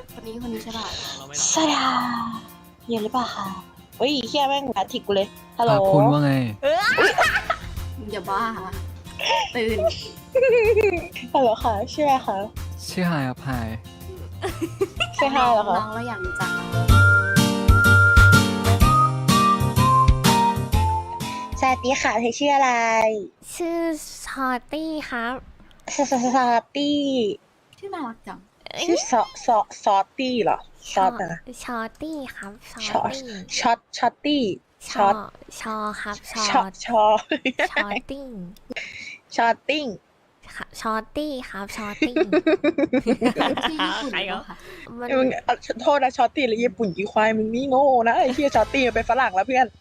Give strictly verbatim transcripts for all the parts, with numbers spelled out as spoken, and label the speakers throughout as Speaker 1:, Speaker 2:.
Speaker 1: คนนี้คนนี้ใช่ป่ะ
Speaker 2: สวัสดีค่ะเย็นหรือเปล่าคะเฮ้ยเฮียแม่งแอทิกกูเลยฮัลโหล
Speaker 3: คุณว่าไง
Speaker 1: อย่าบ้าตื่น
Speaker 2: ฮัลโหลค่ะชื่ออะไรคะ
Speaker 3: ชื่อไฮครับไฮ
Speaker 2: ชื่อไฮเหรอคะ
Speaker 1: น้องเราอยากรู้จัก
Speaker 2: สวัสดีค่ะเธอชื่ออะไร
Speaker 4: ชื่อชอตตี้ครับ
Speaker 2: ซอซอซอตี้
Speaker 1: ชื่อน่ารักจัง
Speaker 2: ชื่อซอซอซอตี้เหรอซอตนะ
Speaker 4: ชอตตี้ครับชอ
Speaker 2: ช็อ
Speaker 4: ต
Speaker 2: ต
Speaker 4: ตี้
Speaker 2: ช็อตช็อตตี้
Speaker 4: ช
Speaker 2: ช็
Speaker 4: อ
Speaker 2: อต
Speaker 4: ชอครับชอ
Speaker 2: ช็อตชอ
Speaker 4: ชอตติ้ง
Speaker 2: ช็อตติ้ง
Speaker 4: ค่ะชอตตี้ครับชอตติ้ง
Speaker 1: ชื่อญี่ปุ่นเหรอคะ
Speaker 4: มัน
Speaker 2: มึงเอาโทษนะช็อตตี้หรือญี่ปุ่นยี่ควายมึงนี่โง่นะไอ้เฮียช็อตตี้มันเป็นฝรั่งแล้วเพื่อน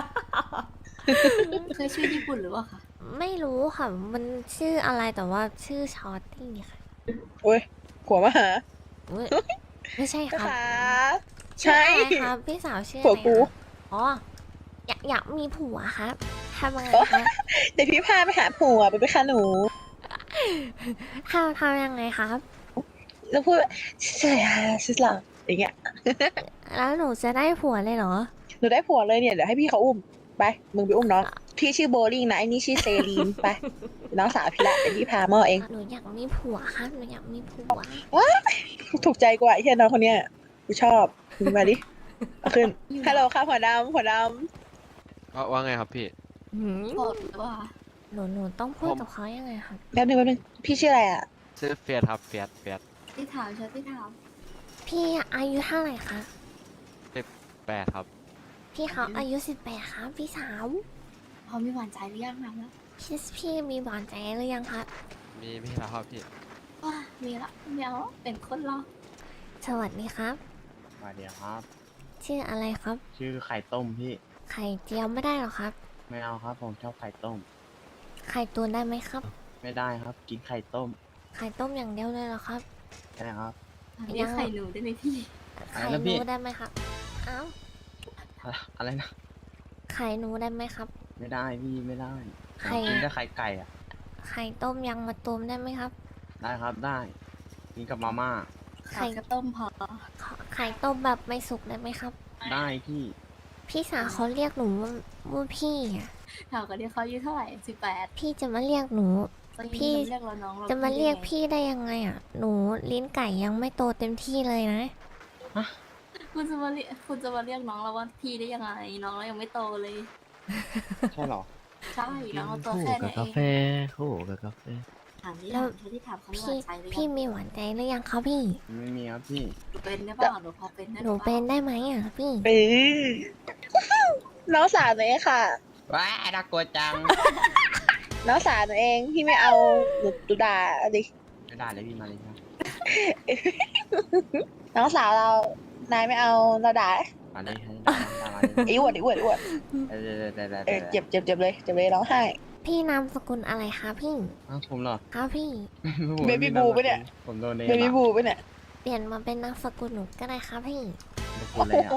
Speaker 1: เคยชื่อญี่ปุ่นหรือเปล่าคะ
Speaker 4: ไม่รู้ค่ะ มันชื่ออะไรแต่ว่าชื่อชอตตี้ค่ะ
Speaker 2: โอ้ยหัวมาหา
Speaker 4: อุ๊ยไม่ใช่ครับ
Speaker 2: ค่ะ
Speaker 4: ชื่อ
Speaker 2: ใช่
Speaker 4: อะไรครับพี่สาวชื่ออะ
Speaker 2: ผัว
Speaker 4: ไร
Speaker 2: กู
Speaker 4: ครับอ๋ออยากอยากมีผัวครับทำยังไงครับ
Speaker 2: เดี๋ยวพี่พาไปหาผัวไปไปค่ะหนู
Speaker 4: ทำทำยังไงครับ
Speaker 2: แล้วพูดว่าใช่ค่ะชื่อหลังอย่างเงี้ย
Speaker 4: แล้วหนูจะได้ผัวเลยเหรอ
Speaker 2: หนูได้ผัวเลยเนี่ยเดี๋ยวให้พี่เขาอุ้มไปมึงไปอุ้มน้องพี่ชื่อโบลิ่งนะไอ้นี่ชื่อเซรีนไปน้องสาวพี่ละเดี๋ยวพี่พามาเอง
Speaker 4: หนูอยากมีผัวครับหนูอยากมีผัว
Speaker 2: ถูกใจกว่าไอ้เฮียน้องคนเนี้ยกูชอบมึงมาดิเอาขึ้นฮัลโหลค่ะหัวดำหัวด
Speaker 5: ว่าว่าไงครับพี่
Speaker 4: หืม
Speaker 1: โสดหรือเปล่าคะ
Speaker 4: หนูหนูต้องพูดกับเขายังไงครับ
Speaker 2: ำแป๊บนึงแป๊บนึงพี่ชื่ออะไรอ่ะ
Speaker 5: ชื่อเฟียสครับเฟียสเฟียส
Speaker 1: ที่ถามฉันที่ถาม
Speaker 4: พี่อายุเท่าไหร่คะ
Speaker 5: แปดครับ
Speaker 4: พี่เขาอายุสิบแปดครับพี่สาว
Speaker 1: เขามีหวานใจหรือยังนะแล้ว
Speaker 4: พี่พี่มีหวานใจหรือยังครับ
Speaker 5: มีพี่แล้วครับพี่
Speaker 1: ว้ามีละไม่เอาเป็นคนรอ
Speaker 4: สวัสดีครับ
Speaker 6: สวัสดีครับ
Speaker 4: ชื่ออะไรครับ
Speaker 6: ชื่อไข่ต้มพี่
Speaker 4: ไข่เจียวไม่ได้หรอครับ
Speaker 6: ไม่เอาครับ ผมชอบไข่ต้ม
Speaker 4: ไข่ตุนได้ไหมครับ
Speaker 6: ไม่ได้ครับ กินไข่ต้ม
Speaker 4: ไข่ต้มอย่างเดียวเลยเหรอครับ
Speaker 6: ใช่ครับ
Speaker 1: อันนี้ไข่หนูได้ไหมพี่
Speaker 4: ไข่
Speaker 6: แล้ว
Speaker 4: ห
Speaker 6: พี่
Speaker 4: นูได้ไหมครับเอ้า
Speaker 6: อะอะไรนะ
Speaker 4: ไข่หนูได้ไหมครับ
Speaker 6: ไม่ได้พี่ไม่ได้
Speaker 4: ไข่
Speaker 6: ผมกินแต่ไข่ไก่อะ
Speaker 4: ไข่ต้มยังมาต้มได้ไหมครับ
Speaker 6: ได้ครับได้ กินกับมาม่า
Speaker 1: ไข่กระต้มพอ
Speaker 4: ขอไข่ต้มแบบไม่สุกได้ไหมครับ
Speaker 6: ได้พี่
Speaker 4: พี่สาวเขาเรียกหนูว่าว่าพี่อะ
Speaker 1: ถามกันที่เขาอายุเท่าไหร่สิบแปด
Speaker 4: พี่จะมาเรียกหนู พี่
Speaker 1: เรียกเราน้องเรา
Speaker 4: จะมาเรียก
Speaker 1: ได้ไง
Speaker 4: พี่ได้ยังไงอ่ะ หนูลิ้นไก่ยังไม่โตเต็มที่เลยนะ
Speaker 1: คุณจะมาเรียกคุณจะมาเรียกน้องเราว่าพี่ได้ยังไง น้องเรายังไม่โตเลย
Speaker 6: ใช่เหรอ
Speaker 1: ใช่น้องเราตัวแค่ไหน
Speaker 7: กับ
Speaker 1: เอก
Speaker 7: าง แฟคู่กับกาแฟ
Speaker 1: ถามที่
Speaker 4: แล้ว
Speaker 1: ถามที่ถามเขามีห
Speaker 4: พี่
Speaker 1: วานใจหรือ
Speaker 4: พี่
Speaker 1: ยัง
Speaker 4: มีหวานใจหรือยังคะพี่
Speaker 6: ไม่มีครับพี่
Speaker 1: หนูเป็นได้เปล่าหนูพอเป็นได้
Speaker 4: หนูเป็นได้ไหมอ่ะพี่
Speaker 2: เออน้องสาวหนูเองค่ะ
Speaker 6: ว้าน่ากลัวจัง
Speaker 2: น้องสาวหนูเองพี่ไม่เอาหนูดูด่าเอาดิ
Speaker 6: ไม่ได้เลยพี่มาเลยครับ
Speaker 2: น้องสาวเรานายไม่เอาเราด่า
Speaker 6: มาเลยให้ได้ได้มาเลย
Speaker 2: ไอ้อวดไอ้อวดไอ้อวด
Speaker 6: เออได้ได้
Speaker 2: เอ
Speaker 6: ได้
Speaker 2: อเจ็บเจ็บเจ็บเลยเจ็บเลยร้องไห้
Speaker 4: พี่นามสกุลอะไรคะพี่
Speaker 6: อ้าวผมเหรอ
Speaker 4: ครับพี่
Speaker 6: ผม
Speaker 2: เบบี้บูปะเนี่ย
Speaker 6: ผมโดนเอง
Speaker 2: เบบี้บูปะเนี่ย
Speaker 4: เปลี่ยนมาเป็นนามสกุลหนูก็ได้ครับพี่
Speaker 6: พูดเลยอ่ะ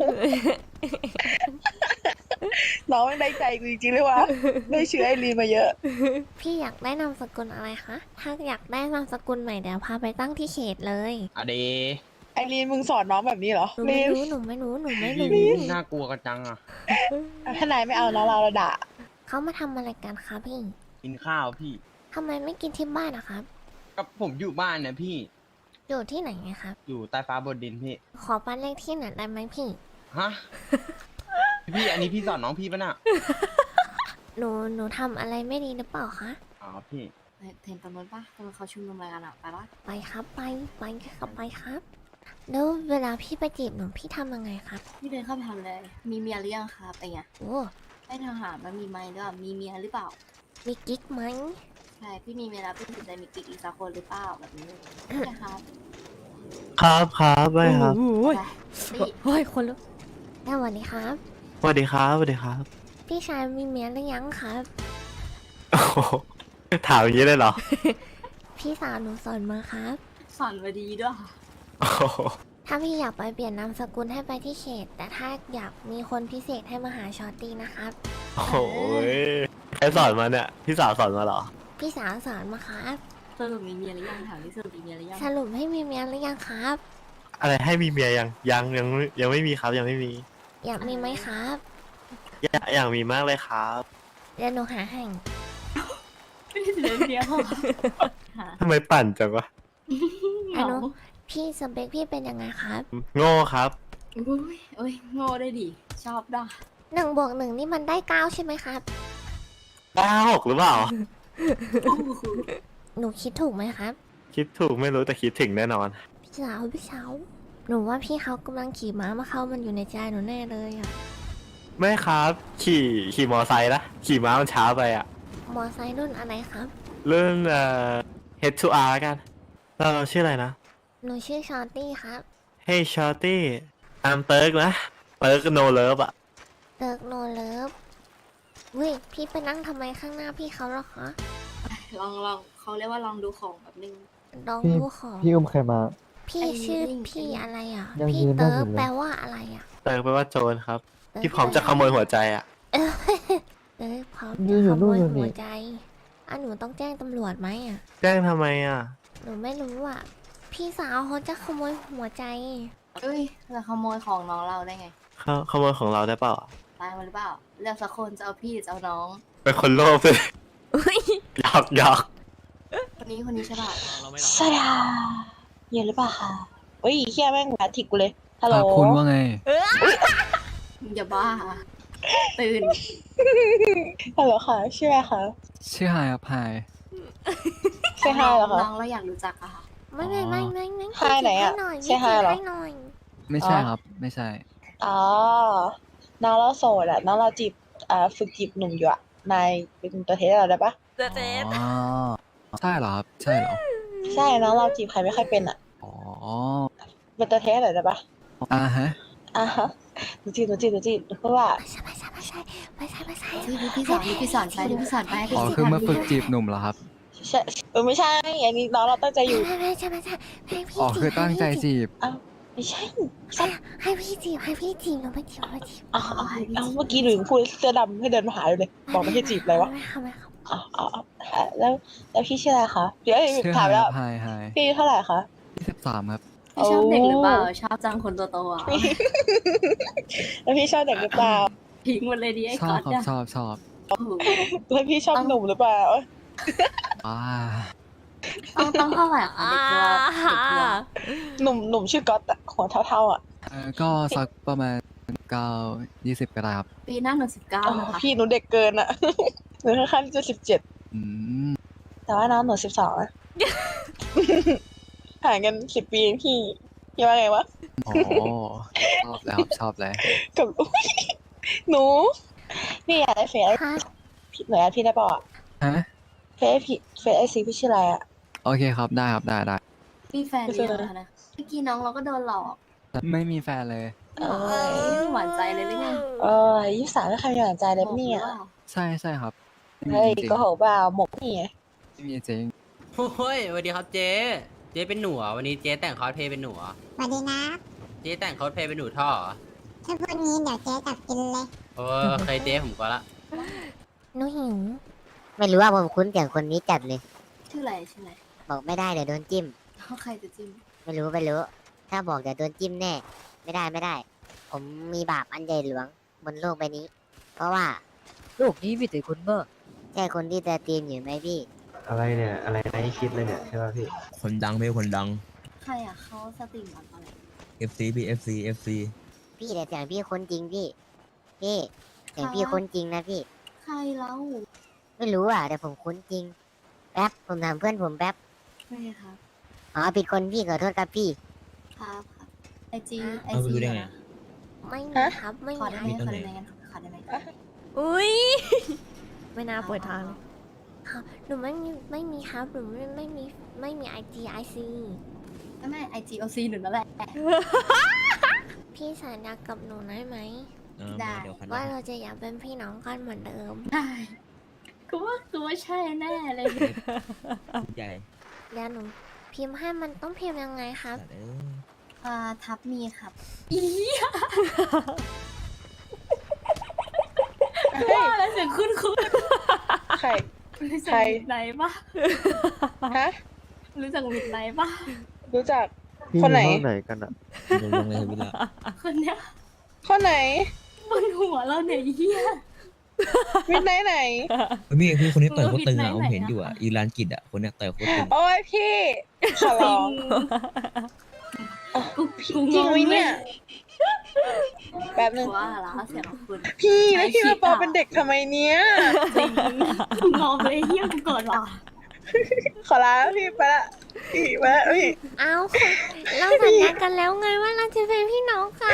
Speaker 2: น้องไม่ได้ใจกูจริงๆเลยวะได้ชื่อไอรีนมาเยอะ
Speaker 4: พี่อยากได้นามสกุลอะไรคะ ถ้าอยากได้นามสกุลใหม่เดี๋ยวพาไปตั้งที่เขตเลย
Speaker 6: อะเด
Speaker 2: ไอรีนมึงสอนน้องแบบนี้เหรอ
Speaker 4: หนู
Speaker 2: รี
Speaker 4: ไม่
Speaker 2: น
Speaker 4: รู้หนูไม่รู้หนูไม่
Speaker 6: พี่
Speaker 4: รู้
Speaker 6: พี่น่ากลัวกันจังอ่ะ
Speaker 2: ถ้านายไม่เอาน้องเราเราด่า
Speaker 4: เขามาทำอะไรกันคะพี่
Speaker 6: กินข้าวพี่
Speaker 4: ทำไมไม่กินที่บ้านอะครับ
Speaker 6: ก็ผมอยู่บ้านเนี่ยพี่
Speaker 4: อยู่ที่ไหนไงครับ
Speaker 6: อยู่ใต้ฟ้าบนดินพี่
Speaker 4: ขอบ้านเลขที่หน่อยได้ไหมพี่
Speaker 6: ฮะ พี่อันนี้พี่สอนน้องพี่ปะน่ะ
Speaker 4: หนูหนูทำอะไรไม่ดีหรือเปล่าคะ
Speaker 6: อ๋อพี่
Speaker 1: เห็นตรงนู้นปะตรงเขาชุมนุมอะไรกันอะไปปะ
Speaker 4: ไปครับไปไปครับไปครับแล้วเวลาพี่ไปจีบหนูพี่ทำยังไงครับ
Speaker 1: พี่เดินเข้าไปทำเลย มีเมียหรือยังครับไอ้เงี้ย
Speaker 4: โอ้
Speaker 1: ให้ทางหารมันมีไหมหรือเปล่ามีเมียหรือเปล่า
Speaker 4: มีกิ๊กไหม
Speaker 1: ใช่พี่มีเมียแล้วพี่สนใจมีกิ๊กอีกสักคนหรือเปล่าแบบนี้ใช่ครับ
Speaker 7: ครับครับไม่ครับ
Speaker 1: ไปพี่
Speaker 4: เฮ้ยคนลุกสวัสดีครับ
Speaker 7: สวัสดีครับสวัสดีครับ
Speaker 4: พี่ชายมีเมียหรือยังครับ
Speaker 7: โอ้โหถามอย่างนี้เลยเหรอ
Speaker 4: พี่สาวหนูสอนมาครับ
Speaker 1: สอนมาดีด้วยค่ะ
Speaker 7: โอ้โห
Speaker 4: ถ้าพี่อยากไปเปลี่ยนนามสกุลให้ไปที่เขต แต่ถ้าอยากมีคนพิเศษให้มาหาชอตตี้นะครับ
Speaker 7: โอ้โหใครสอนมาเนี่ย พี่สาวสอนมาเหรอ
Speaker 4: พี่สาวสอนมาครับ
Speaker 1: สรุปมีเมียหรือยังถามที่สรุปมีเมียหรือยัง
Speaker 4: สรุปให้มีเมียหรือยังครับ
Speaker 7: อะไรให้มีเมียยังยังยังยังไม่มีครับยังไม่มี
Speaker 4: อยากมีไหมครับ
Speaker 7: อยากอยากมีมากเลยครับ
Speaker 4: เดี๋ยวหนูหาให้
Speaker 1: ไม่ได้เสียเดียวค่ะ
Speaker 7: ทำไมปั่นจังวะ
Speaker 1: เหงา
Speaker 4: พี่สเปคพี่เป็นยังไงครับ
Speaker 7: โง่ครับ
Speaker 1: อุ้ยโอ้ยโง่ได้ดิชอบด่ะ
Speaker 4: หนึ่งบวกหนึ่งนี่มันได้เก้าใช่ไหมครับ
Speaker 7: ได้หกหรือเปล่า
Speaker 4: หนูคิดถูกไหมครับ
Speaker 7: คิดถูกไม่รู้แต่คิดถึงแน่นอน
Speaker 4: พี่สาวพี่สาวหนูว่าพี่เขากำลังขี่ม้ามาเข้ามันอยู่ในใจหนูแน่เลยอ่ะ
Speaker 7: ไม่ครับ ขี่ขี่มอไซค์นะขี่ม้ามันช้าไปอะ
Speaker 4: มอไซค์รุ่นอะไรครับ
Speaker 7: เรื่องเอ่อ Head to R กันเราเราชื่ออะไรนะ
Speaker 4: หนูชื่อชอตตี้ครับ
Speaker 7: Hey Shorty ตามเติร์กนะเติร์กโนเลิฟอะ
Speaker 4: เติร์กโนเลิฟเว้ยพี่ไปนั่งทำไมข้างหน้าพี่เขาหรอคะ
Speaker 1: ลองลองเขาเรียกว่าลองดูของแบบนึง
Speaker 4: ลอง
Speaker 3: พี่
Speaker 4: ดูของ
Speaker 3: พี่อุ้มใครมา
Speaker 4: พี่
Speaker 1: ไอ้
Speaker 4: ชื่อ
Speaker 1: ลิง
Speaker 4: พี่
Speaker 1: ไอ้ลิง
Speaker 4: อะไรอ่ะ
Speaker 3: ยัง
Speaker 4: พี่
Speaker 3: ยืนได้
Speaker 4: เติร์
Speaker 3: อก ยู่เลย
Speaker 4: แปลว่าอะไรอ่ะ
Speaker 7: เติร์กแปลว่าโจรครับ
Speaker 4: เติร์ก
Speaker 7: ที่พร้อมจะขโมยหัวใจอะ
Speaker 4: เออเติร์กพร้อม
Speaker 3: ยื
Speaker 4: จะ
Speaker 3: นอยู่
Speaker 4: ขโม
Speaker 3: นู่น
Speaker 4: ย
Speaker 3: อยู่นี่
Speaker 4: หัวใจอ่ะหนูต้องแจ้งตำรวจไหมอ่ะ
Speaker 7: แจ้งทำไมอะ
Speaker 4: หนูไม่รู้อ่ะ พี่สาวเขาจะขโมยหัวใจ
Speaker 1: เอ้ยเราขโมยของน้องเราได้ไง
Speaker 7: เขาขโมยของเราได้เปล่า
Speaker 1: ตายมาหรือเปล่าเลือกสักคนจะเอาพี่หรือจะเอาน้อง
Speaker 7: เป็นคนโลภเลยหยอกหยอก
Speaker 1: คนนี้คนนี้ใช่ป่ะ
Speaker 2: สวัสดีค่ะเย็นหรือเปล่าคะเฮ้ยเฮียแม่งมาถิกกูเลยฮัลโหล
Speaker 8: คุณว่าไง
Speaker 1: อย่าบ้า ตื่น
Speaker 2: ฮัลโหลค่ะชื่ออะไรคะ
Speaker 8: ชื่อไฮครับไฮ
Speaker 2: ชื่อไฮเหรอคะ
Speaker 1: น้องเราอยากรู้จักอะค่ะ
Speaker 4: ไม่ไม่ไม่ไม่ไม่
Speaker 2: ไฮไหนอะ
Speaker 4: หน่อย
Speaker 2: ใช่ไฮเหรอ
Speaker 4: ให้หน่อย
Speaker 8: ไม่ใช่ครับ ไม่ใช่
Speaker 2: อ๋อน้องเราโสดอะน้องเราจีบอ่าฝึกจีบหนุ่มอยู่อะนายเป็นตัวเทสเราได้ปะ
Speaker 8: อ๋อ ใช่เหรอครับ ใช่เหรอ
Speaker 2: ใช่น้องเราจีบใครไม่ค่อยเป็นอะ
Speaker 8: อ๋อ
Speaker 2: เป็นตัวเทสหน่อยได้ปะ
Speaker 8: อ่าฮะ
Speaker 2: อ่ะฮะหนูจีบหนูจีบหนูจีบเพราะว่า
Speaker 4: ไม่ใช่ไม่ใช่ไม่ใช่ไม่ใช่ไม่ใช่
Speaker 1: ที่พี่สอนที่พี่สอนไปที่พี่สอนไป
Speaker 8: อ๋อ คือมาฝึกจีบหนุ่มเหรอครับ
Speaker 2: ใช่เออไม่ใช่อันนี้น้องเราตั้งใจอยู่
Speaker 4: ไม่ไม่ใช่ไม่ใช่ให้พี่
Speaker 8: อ๋อ
Speaker 4: จีบ
Speaker 8: คือตั้งใจ
Speaker 4: ให้พี่
Speaker 8: จีบ
Speaker 2: ไม่ใช่
Speaker 4: ให้ให้พี่จีบให้พี่จีบหนูไม่จีบไม่จีบ
Speaker 2: อ๋ออ๋ออ๋อเมื่อกี้หนูยังพูดเสื้อดำให้เดินมาหาอยู่เลยบอกไม่ให้จีบเลยวะ
Speaker 4: ไม่ค่ะไม่ค่ะ
Speaker 2: อ๋ออ๋ออ๋อแล้วแล้วพี่ชื่ออะไรคะเดี๋ยว
Speaker 8: ชื่อ
Speaker 2: ถา
Speaker 8: ไฮ
Speaker 2: ม
Speaker 8: ค
Speaker 2: แล้ว
Speaker 8: รับไฮไฮ
Speaker 2: พี่อายุเท่าไหร่คะ
Speaker 8: ยี่สิบสามครับ
Speaker 1: พี่ชอบเด็กหรือเปล่าชอบจังคนตัวโตอ่ะ
Speaker 2: แล้วพี่ชอบเด็กหรือเปล่า
Speaker 1: ทิ้งหมดเลยดิไอ้
Speaker 8: ชอ
Speaker 1: ก๊
Speaker 8: บ
Speaker 1: อต
Speaker 8: ครับ
Speaker 1: เนี่ย
Speaker 8: ชอบชอบ
Speaker 1: โอ้โห
Speaker 2: แล้วพี่ชอบหนุ่มหรือเปล่า
Speaker 8: อ่า
Speaker 1: ต้องต้องเท่าไหร่คะเด็กตัวเด็กตัว
Speaker 2: หนุ่มหนุ่มชื่อก๊อตอะหัวเท่าๆอะ
Speaker 8: เอ่อก็สักประมาณเก้ายี่สิบก็ได้ครับ
Speaker 1: ปีหน้าหนูสิบเก้า
Speaker 2: อ๋อ
Speaker 1: นะคะ
Speaker 2: พี่หนูเด็กเกินอะ หนูค่อนข้างที่จะสิบเจ็ด
Speaker 8: อืม
Speaker 2: แต่ว่าน้องหนูสิบสองอะ ห่างกันสิบปีเองพี่พี่ว่าไงวะ
Speaker 8: อ๋อ ชอบแล้วครับชอบแล้ว
Speaker 2: กับ อุ๊ยหนูพี่อยากได้เฟซ
Speaker 4: ค่ะ
Speaker 2: พี่หนูอยากพี่ได้เปล่าอะ
Speaker 8: ฮะ
Speaker 2: เฟซพี่เฟซไอซีพี่ชื่ออะไรอะ
Speaker 8: โอเคครับ ได้ครับ ได้ได้
Speaker 1: มีแฟนหรือยังคะนะเมื่อกี้น้องเราก็โดนหลอก
Speaker 8: ไม่มีแฟนเลย
Speaker 2: เออ
Speaker 1: ไม่มีหวานใจเลยหรือไง
Speaker 2: เออยี่สิบสามไม่ใครมีหวานใจเลยปะเนี่ย
Speaker 1: โอ้โห
Speaker 8: ใช่ใช่ครับไม่มี
Speaker 2: เฮ้ย
Speaker 8: จริง
Speaker 2: ก็โหเปล่าหมกนี่ไง
Speaker 8: ไม่มีจริง
Speaker 9: โอ้ยสวัสดีครับเจ๊ เจ๊เป็นหนูเหรอวันนี้เจ๊แต่งคอสเพลย์เป็นหนูเหรอ
Speaker 10: สวัสดีนะ
Speaker 9: เจ๊แต่งคอสเพลย์เป็นหนูท่อเหรอ
Speaker 10: ถ้าพูดงี้เดี๋ยวเจ๊จับกินเลย
Speaker 9: โอ้ยเคยเจ๊ผมก็ละ
Speaker 4: หนูหิว
Speaker 10: ไม่รู้ว่าผมคุ้นเสียงคนนี้จัดเลย
Speaker 1: ชื่ออะไรชื่ออะไร
Speaker 10: บอกไม่ได้เดี๋ยวโดนจิ้ม
Speaker 1: เขาใครจะจิ้ม
Speaker 10: ไม่รู้ไม่รู้ ถ้าบอกเดี๋ยวโดนจิ้มแน่ ไม่ได้ไม่ได้ ผมมีบาปอันใหญ่หลวงบนโลกใบนี้ เพราะว่าโลกนี้มีแต่คนบ้าใช่คนที่จะตีมอยู่ไหมพี่
Speaker 7: อะไรเนี่ย อะไรไม่คิดเลยเนี่ยใช่ป่ะพี่
Speaker 6: คนดังไม่คนดัง
Speaker 1: ใครอ่ะเขาสตรีมอะไร
Speaker 6: เอฟซีพี่ เอฟซี เอฟซี
Speaker 10: พี่แต่เสียงพี่คนจริงพี่ พี่เสียงพี่คนจริงนะพี่
Speaker 1: ใครเล่า
Speaker 10: ไม่รู้อ่ะแต่ผมคุ้นจริง แป๊บผมถามเพื่อนผมแป๊บ
Speaker 1: ไม่ครับ
Speaker 10: อ๋อผิดคนพี่ขอโทษครับพี่
Speaker 1: ครับครับไอจีไอ
Speaker 6: เอาไป
Speaker 1: จี
Speaker 6: ดูได้ไง
Speaker 4: ไม่มีครับไม่
Speaker 1: ขอ
Speaker 4: มี
Speaker 1: ได้
Speaker 4: ไอ
Speaker 1: ไหม
Speaker 6: มี
Speaker 1: ข
Speaker 6: ต
Speaker 1: อ
Speaker 6: รงไหน
Speaker 1: ได้ไหมงั้นขอได้ไหม
Speaker 4: อุ้ย ไม่น่าเปิดทางเลยค่ะหนูไม่มีไม่มีครับหนูไม่ไม่มีไม่มีไอจีไอซี
Speaker 1: ไม่ไม่ไอจีโอซีหนูนั่นแหละ
Speaker 4: พี่สัญญากับหนูได้ไหม
Speaker 6: เออ
Speaker 1: ได้
Speaker 6: เดี๋ยวคัน
Speaker 4: ว่าเราจะอยากเป็นพี่น้องกันเหมือนเดิม
Speaker 1: ได้กูว่ากูว่าใช่แน่เลย
Speaker 6: ใหญ่
Speaker 4: เดี๋ยวหนูพิมพ์ให้มันต้องพิมพ์ยังไงครับ
Speaker 6: แต่เออ
Speaker 1: อ่าทับมีครับอีว่าแล้วเสียงคุ้นคุ้น
Speaker 2: ใคร
Speaker 1: รู้จั
Speaker 2: ใค
Speaker 1: ก
Speaker 2: ร
Speaker 1: มิดไนท์ปะ
Speaker 2: ฮะ
Speaker 1: รู้จักมิดไนท์ปะ
Speaker 2: รู้จักคนไหน
Speaker 3: ห้องไหนกันอ่ะลงเลยวิลา
Speaker 1: คนเนี้ย
Speaker 2: คนไหน
Speaker 1: บนหัวเราเนี่ยเฮีย
Speaker 2: มิดไหนไหน
Speaker 3: พี่พี่คนนี้ต่อยโคตรตึง
Speaker 1: ไหน
Speaker 3: อ่ะผม
Speaker 1: ไหน
Speaker 3: เห็นอยู่อ่ะ
Speaker 1: อะ
Speaker 3: อีรานกิดอ่ะคนเนี้ยต่อยโคตรตึง
Speaker 2: โอ้ยพี่ ขอร้อง
Speaker 1: กูกู
Speaker 2: จริง
Speaker 1: ง
Speaker 2: ไหม
Speaker 1: งเล
Speaker 2: เนี่ย ย แป๊บนึง
Speaker 1: ว่าละเสียงของคุณ
Speaker 2: พี่แล้วพี่
Speaker 1: ใช้
Speaker 2: มาปอ
Speaker 1: คิดอะ
Speaker 2: เป็นเด็กทำไมเนี้ย
Speaker 1: จริงกูงงเลยเฮียกูเกิดว่ะ
Speaker 2: ขอลาแล้วพี่ไปละพี่ไปละพี่
Speaker 4: เอาค่ะเราสัญญากันแล้วไงว่าเราจะเป็นพี่น้องกัน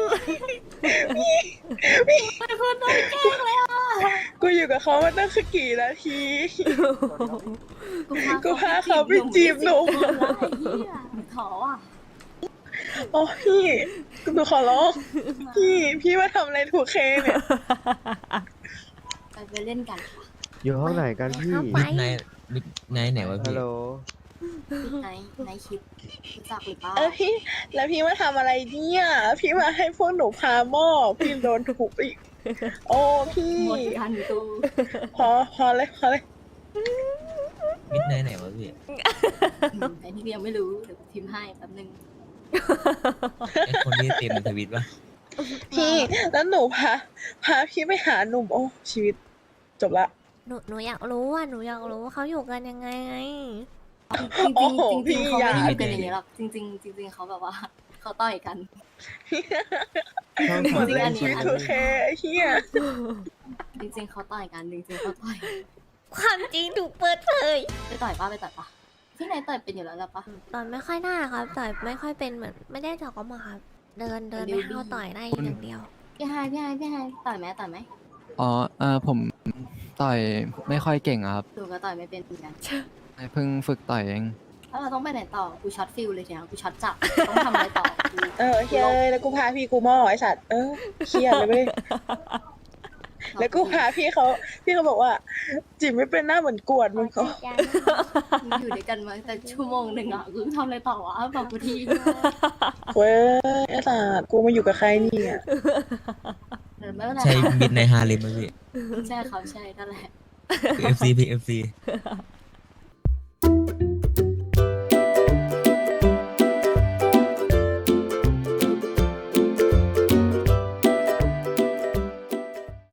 Speaker 1: เป็นคนโดนแกล้งเลยอ่ะ
Speaker 2: กูอยู่กับเขามาตั้งคือกี่นาที กู
Speaker 1: กู
Speaker 2: พาเขาไปจีบหนุ่ม
Speaker 1: ไอ้เฮียขออ่ะ
Speaker 2: โอ้พี่กูหนูขอร้องพี่พี่มาทำอะไรถูกเคเนี่ย
Speaker 1: ไปไปเล่นกันค่ะ
Speaker 3: อยู่ห้องไหนกันพี่
Speaker 4: ไป
Speaker 3: นายนายไหนวะพี่ฮัลโหล
Speaker 1: ในในคลิปรู้จักหรือเปล่า
Speaker 2: เออพี่ แล้วพี่มาทำอะไรเนี่ยพี่มาให้พวกหนูพาหม้อพี่โดนถูกอีก โอ้พี่
Speaker 1: หมดกันตู
Speaker 2: พอพอเลยพอเลย
Speaker 3: มิดนายไหนวะพี่
Speaker 1: ไอ้ที่ยังไม่รู้เดี๋ยวพิมพ์ให้แป๊บนึง
Speaker 3: ไอคนที่เต็มในทวิตปะ
Speaker 2: พี่แล้วหนูพาพาพี่ไปหาหนุ่มโอ้ชีวิตจบละ
Speaker 4: หนูหนูอยากรู้อ่ะหนูอยากรู้ว่าเขาอยู่กันยังไงไง
Speaker 1: จริง
Speaker 2: โอ้โห
Speaker 1: ๆจริงๆเขา
Speaker 2: พี่
Speaker 1: ไม่ได้
Speaker 2: อย่า
Speaker 1: อยู่กันอย่างนี้หรอกจริงๆจริงๆเขาแบบว่า เขาต่อยกัน
Speaker 3: ช่อง
Speaker 2: หม
Speaker 3: สา
Speaker 2: ด
Speaker 3: ม
Speaker 2: เลย
Speaker 1: อันนี้
Speaker 2: ชีวิตถูกเคไอ้เฮีย
Speaker 1: จริงๆเขาต่อยกันจริงๆเขาต่อย
Speaker 4: ความจริงถูกเปิดเผย
Speaker 1: ไปต่อยป้าไปต่อยป้าพี่นายต่อยเป็นอยู่แล้วหรอปะ
Speaker 4: ต่อยไม่ค่อยได้ครับต่อยไม่ค่อยเป็นเหมือนไม่ได้ถอกออกมาครับ เดินเดิน
Speaker 1: เดี๋
Speaker 4: ไป
Speaker 1: ยว
Speaker 4: เข้า
Speaker 1: ดี
Speaker 4: ต่อยได้อย่างเดียว
Speaker 1: พี่ไฮพี่ไฮพี่ไฮต่อยไหมต่อยไหม
Speaker 8: อ๋อเออผมต่อยไม่ค่อยเก่งอะครับ
Speaker 1: ดูก็ต่อยไม่เป็นเหมือนกัน
Speaker 8: เพิ่งฝึกต่อยเอง
Speaker 1: แล้วเราต้องไปไหนต่อกูช็อตฟิลเลยเนี่ยกูช็อตจับต้องทำอะไรต่อกู
Speaker 2: เออเฮียเลยแล้วกูพาพี่กูหม้อไอ้สัตว์เออเครียดเลยเว้ยแล้วกูพาพี่เขาพี่เขาบอกว่าจีบไม่เป็นหน้าเหมือนกวดมึงเขา
Speaker 1: มึงอยู่ด้วยกันมาแต่ชั่วโมงหนึ่งอ่ะกูทำอะไรต่อวะบอกกูที
Speaker 2: เว้ยไอ้สัตว์กูมาอยู่กับใครเนี่ย
Speaker 1: เออไม่เป็นไร
Speaker 3: ใช่มิดในฮาเลมไหมพี่
Speaker 1: ใช่เขาใช่นั่นแหละ
Speaker 3: เอฟซีพี่เอฟซี